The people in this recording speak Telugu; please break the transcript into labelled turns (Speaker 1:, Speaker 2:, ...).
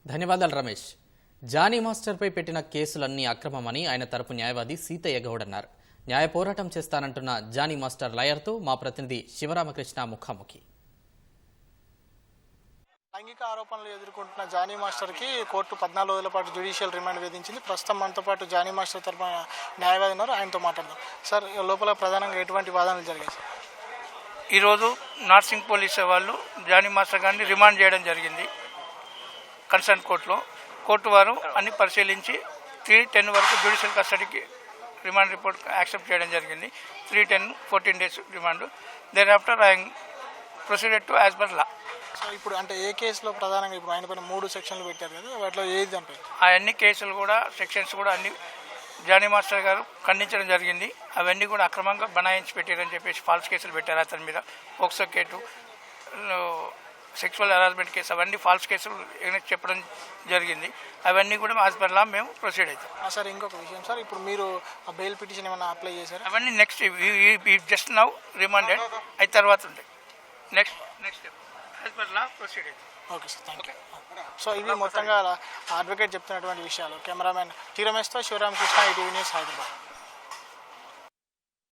Speaker 1: ధన్యవాదాలు రమేష్. జానీ మాస్టర్పై పెట్టిన కేసులన్నీ అక్రమమని ఆయన తరపు న్యాయవాది సీతయ్య గౌడ్ అన్నారు. న్యాయ పోరాటం చేస్తానంటున్న జానీ మాస్టర్ లాయర్తో మా ప్రతినిధి శివరామకృష్ణ ముఖాముఖి.
Speaker 2: లైంగిక ఆరోపణలు ఎదుర్కొంటున్న జానీ మాస్టర్కి కోర్టు 14 రోజుల పాటు జ్యుడిషియల్ రిమాండ్ విధించింది. ప్రస్తుతం మనతో పాటు జానీ మాస్టర్ తరపున న్యాయవాది ఉన్నారు, ఆయనతో మాట్లాడదాం. సార్, లోపల ప్రధానంగా ఎటువంటి వాదనలు జరిగాయి?
Speaker 3: ఈరోజు నార్సింగ్ పోలీసు వాళ్ళు జానీ మాస్టర్ గారిని రిమాండ్ చేయడం జరిగింది కన్సర్న్ కోర్టులో. కోర్టు వారు అన్ని పరిశీలించి 3-10 వరకు జ్యుడిషియల్ కస్టడీకి రిమాండ్ రిపోర్ట్ యాక్సెప్ట్ చేయడం జరిగింది. 3-10 14 days remand. Then after I proceeded to as per law.
Speaker 2: So ఇప్పుడు అంటే ఏ కేసులో ప్రధానంగా ఇప్పుడు ఆయన పైన 3 సెక్షన్లు పెట్టారు కదా, వాటిలో ఏది దానిపై?
Speaker 3: ఆ అన్ని కేసులు కూడా సెక్షన్స్ కూడా అన్ని జానీ మాస్టర్ గారు ఖండించడం జరిగింది. అవన్నీ కూడా అక్రమంగా బనాయించి పెట్టారని చెప్పేసి ఫాల్స్ కేసులు పెట్టారు అతని మీద. POCSO case, sexual harassment case, అవన్నీ ఫాల్స్ కేసులు చెప్పడం జరిగింది. అవన్నీ కూడా యాజ్ పర్ లా మేము ప్రొసీడ్ అవుతాం.
Speaker 2: సార్, ఇంకొక విషయం సార్, ఇప్పుడు మీరు ఆ బెయిల్ పిటిషన్ ఏమైనా అప్లై చేశారు?
Speaker 3: అవన్నీ నెక్స్ట్ జస్ట్ నౌ రిమాండెడ్ అయిన తర్వాత ఉంటాయి. Next step as per law proceed అవుతాం.
Speaker 2: Okay sir, thank you. So ఇవి మొత్తంగా అడ్వకేట్ చెప్తున్నటువంటి విషయాలు. కెమెరామెన్ టీ రమేష్తో శివరామకృష్ణ, ఈటీవీ న్యూస్, హైదరాబాద్.